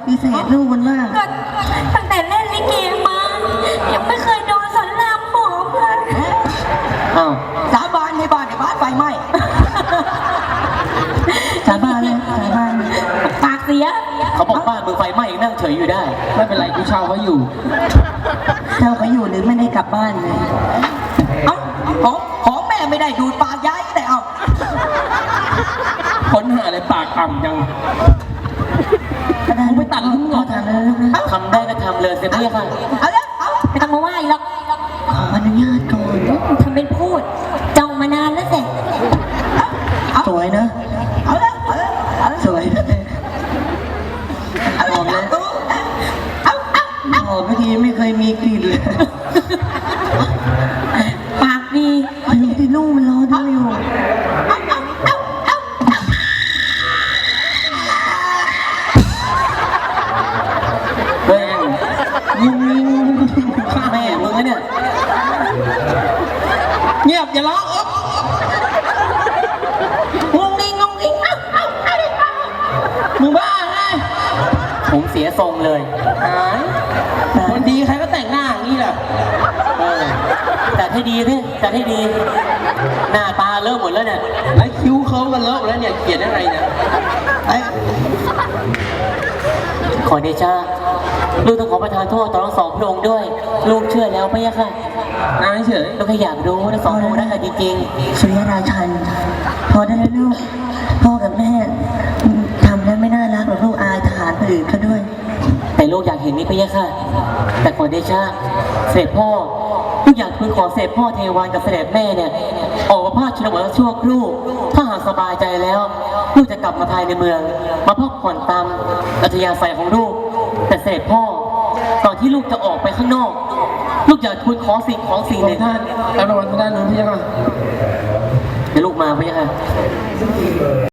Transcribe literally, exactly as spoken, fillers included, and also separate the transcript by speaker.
Speaker 1: ฏิเสธลูกมันมาก
Speaker 2: ก็ตั้งแต่เล่นลิเกมายังไม่เคยโดนสอนรามหอมเลย
Speaker 3: อ้าว
Speaker 1: สาบานในบ้านในบ้านไฟไหม้สาบานเลยสาบาน
Speaker 2: ปากเสีย
Speaker 3: เขาบอกบ้านมึงไฟไหม้ยังนั่งเฉยอยู่ได้ไม่เป็นไรกูเช่าเขาอยู่
Speaker 1: เจ้าเขาอยู่หรือไม่ได้กลับบ้านเลยเอ้าของของแม่ไม่ได้ดูดปากย้ายแต่เอา
Speaker 3: ค้นหาอะไรปากต่ำจัง
Speaker 1: กูไปตัดทิ้งหมดทำเลยลูกนะ
Speaker 3: ทำได้ก็ทำเลยเสียพี่ค่ะ
Speaker 1: เอาละเอา
Speaker 2: ไม่ต้องมาไหว้หรอก
Speaker 1: ขออนุญาตก่อน
Speaker 2: ทำเป็นพูดจ้องมานานแล้วสิ
Speaker 1: สวยนะเอาละเอาละเอาละสวยหอมนะเอาเอาหอมเมื่อกี้ไม่เคยมีกลิ่นเลย
Speaker 2: ปากดี
Speaker 1: ดูที่ลูกมันรอดูอยู่
Speaker 3: เฮ้ยยิงยิงฆ่าแม่มึงนะเนี่ยเงียบอย่าร้องอ๊บ
Speaker 1: งงงิงงงงิงเอ้าเอ้าเอ้าเอ้า
Speaker 3: มึงบ้าไงผมเสียทรงเลยหายคนดีใครก็แต่งหน้าอย่างนี้แหละเออแต่ให้ดีสิแต่ให้ดี หน้าตาเริ่มหมดแล้วเนี่ยไอ้คิ้วเคิ้มกันเลิกแล้วเนี่ยเขียนอะไรเนี่ยไอ้ขอเดชะลูกต้องขอประทานโทษต่อทั้งสองพระองค์ด้วย ลูกเชื่อแล้วไม่ยะค่ะนายเฉยลูกแค่อยากรู้ทั้งสองพระองค์ได้ค่ะจริงๆ
Speaker 1: สุริยราชัน พอได้แล้วลูกพ่อกับแม่ทำแล้วไม่น่ารักหรอกลูกอายทหารคนอื่นเขาด้วย
Speaker 3: แต่ลูกอยากเห็นนี่พี่ยะค่ะ แต่ขอเดชะเสด็จพ่อลูกอยากทูลขอเสด็จพ่อเทวันกับเสด็จแม่เนี่ยออกมาพาชนบทชั่วครู่ถ้าหากสบายใจแล้วลูกจะกลับมาภายในเมือง มาพักผ่อนตามอัธยาศัยของลูก แต่เสด็จพ่อก่อนที่ลูกจะออกไปข้างนอก ลูกอยากทูลขอสิ่งของสิ่งหนึ่งท่านแล้วระวังทางด้านนู้นพี่ยะค่ะเดี๋ยวลูกมาพี่ยะค่ะ